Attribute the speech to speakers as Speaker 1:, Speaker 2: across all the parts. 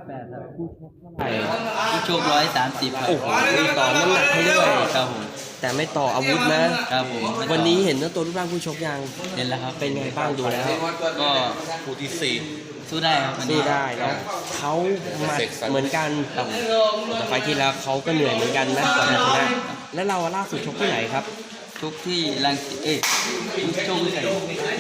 Speaker 1: 108ครับ
Speaker 2: ผู้ชกเท่าไหร่
Speaker 1: ผู้ชก130ครับ
Speaker 2: โอ้โหมีต่อน้ำหนักให้ด้วย
Speaker 1: ครับผม
Speaker 2: แต่ไม่ต่ออาวุธนะครับ
Speaker 1: ผม
Speaker 2: วันนี้เห็นว่าตัวรูปร่างผู้ชกยัง
Speaker 1: เห็นแล้วครับ
Speaker 2: เป็นไงบ้างดูแล้ว
Speaker 1: ก็
Speaker 3: คู่ที่สี่
Speaker 1: สู้ได้ครับวัน
Speaker 2: สู้
Speaker 1: นี้
Speaker 2: ได้เนาะเขาหมัดเหมือนกันแต่ไฟล์ที่แล้วเขาก็เหนื่อยเหมือนกันนะกว่าจะชนะแล้วเราล่าสุดชกที่ไหนครับ
Speaker 1: ทุกที่รังสิตชกใส่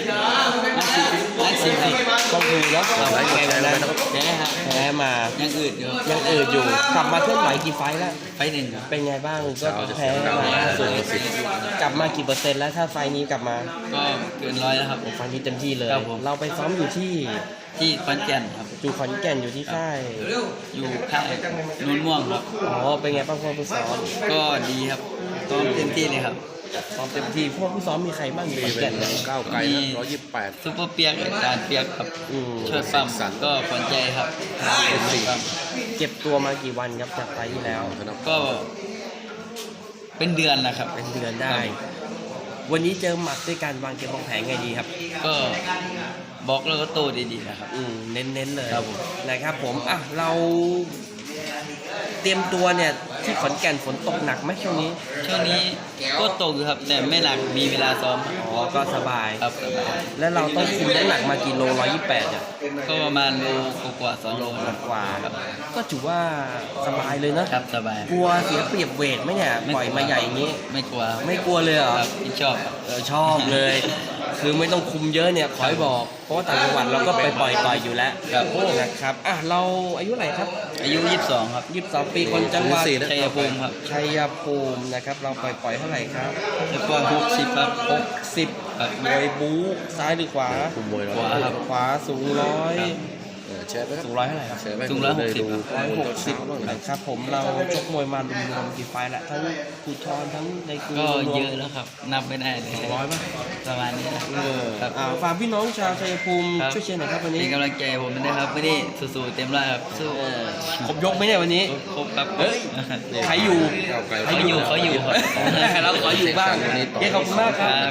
Speaker 1: รังสิตครับ
Speaker 2: ก็คือแล้วเราไงวันนั้น
Speaker 1: แพ้ครับ
Speaker 2: แพ้มา
Speaker 1: ยังอืดอยู่
Speaker 2: ยังอืดอยู่กลับมาเคลื่อนไหวกี่ไฟล์แล้ว
Speaker 1: ไฟหนึ่งครับ
Speaker 2: เป็นไงบ้างก็แพ้มาล่าสุดกลับมากี่เปอร์เซ็นต์แล้วถ้าไฟล์นี้กลับมา
Speaker 1: ก็เกิน100แล้วครับ
Speaker 2: ไฟล์นี้เต็มที่เลย
Speaker 1: ครับผม
Speaker 2: เราไปซ้อมอยู่ที่
Speaker 1: ที่ขอนแก่นครับ
Speaker 2: อยู่ขอนแก่นอยู่ที่ค่าย
Speaker 1: อยู่ค่ายนุ่นม่วงครับ
Speaker 2: อ๋อเป็นไงบ้างพวกผู้ซ้อม
Speaker 1: ก็ดีครับซ้อมเต็มที่เลยครับ
Speaker 2: ซ้อมเต็มที่พวกผู้ซ้อมมีใครบ้างอยู่ขอนแก่นเลย
Speaker 3: ก้าวไกลนะ128
Speaker 1: ซุปเปอร์เปียกอาจารย์เปียกครับ
Speaker 2: อืม
Speaker 1: ช่วยปั๊มก็ขวัญใจครับปั๊ม
Speaker 2: เก็บตัวมากี่วันครับจากไฟล์ที่แล้ว
Speaker 1: ก็เป็นเดือนนะครับ
Speaker 2: เป็นเดือนได้ วันนี้เจอหมัดด้วยการวางเกมวางแผนไงดีครับ
Speaker 1: ก็บล็อกแล้วก็โต้ดีๆนะครับ
Speaker 2: เน้นๆเลย
Speaker 1: ครับผม
Speaker 2: นะครับผมอ่ะเราเตรียมตัวเนี่ยที่ขอนแก่นฝนตกหนักไหมช่วงนี้
Speaker 1: ช่วงนี้ก็ตกอยู่ครับ แต่ไม่หนักมีเวลาซ้อม
Speaker 2: อ๋อก็สบาย
Speaker 1: ครับสบาย
Speaker 2: แล้วเราต้องคุมน้ำหนักมากี่โล128อ่ะ
Speaker 1: ก็ประมาณโลกว่า2 โลครับ
Speaker 2: กว่า
Speaker 1: ครับ
Speaker 2: ก็ถือว่าสบายเลยเนอะ
Speaker 1: ครับสบาย
Speaker 2: กลัวเสียเปรียบเวทไหมเนี่ยปล่อยมาใหญ่อย่างนี้
Speaker 1: ไม่กลัวครับ
Speaker 2: ไม่กลัวเลยเหรอ
Speaker 1: ครับที่ชอบครับ
Speaker 2: ชอบเลย คือไม่ต้องคุมเยอะเนี่ยขอให้บอกเพราะว่าต่างจังหวัดเราก็ไปปล่อยต่อยอยู่แล้ว
Speaker 1: ครับ
Speaker 2: นะครับอ่ะเราอายุเท่าไหร่ครับ
Speaker 1: อายุ22ครับ
Speaker 2: 22 ปีคนจังหวัด
Speaker 1: ชัยภูมิครับ
Speaker 2: ชัยภูมินะครับเราปล่อยเท่าไหร่ครับ
Speaker 1: แล้วก็60ครับ
Speaker 2: 60
Speaker 1: ครับ
Speaker 2: มวยบู๊ซ้ายหรือขวา
Speaker 3: คุมมวย
Speaker 1: ขวาครับ
Speaker 2: ขวาสูงร้อย
Speaker 3: แชร์ไปครับ
Speaker 2: สูงร้อยเท่าไหร่ครับ
Speaker 3: แชร์ไป
Speaker 1: สูง160
Speaker 2: 160นะครับผมเราชกมวยมารวมๆกี่ไฟล์ละทั้งภูทรทั้งในกรุง
Speaker 1: ก็
Speaker 2: รวม
Speaker 1: เยอะแล้วครับ นับไม่ได้เลย
Speaker 2: 200ป่ะ
Speaker 1: ประมาณนี้นะ ครับ
Speaker 2: ฝากพี่น้องชาวชัยภูมิ
Speaker 1: ครับ
Speaker 2: ช่วยเชียร์หน่อยครับวันนี้
Speaker 1: เป็นกำลังใจให้ผมด้วยครับไม่ได้สู้ๆเต็มร้อยครับสู้
Speaker 2: ครบยกไหมเนี่ยวันนี้
Speaker 1: ครบครับ
Speaker 2: เฮ้ย ใครอยู่
Speaker 3: ก้าวไกล
Speaker 1: เขาอยู่ครับ
Speaker 2: เราขออยู่บ้างเย้ขอบคุณมากครับ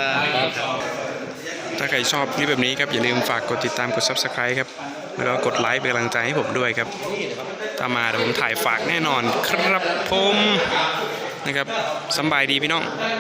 Speaker 4: ถ้าใครชอบคลิปแบบนี้ครับอย่าลืมฝากกดติดตามกด Subscribe ครับแล้วก็กดไลค์เป็นกำลังใจให้ผมด้วยครับถ้ามาเดี๋ยวผมถ่ายฝากแน่นอนครับผมนะครับสำบายดีพี่น้อง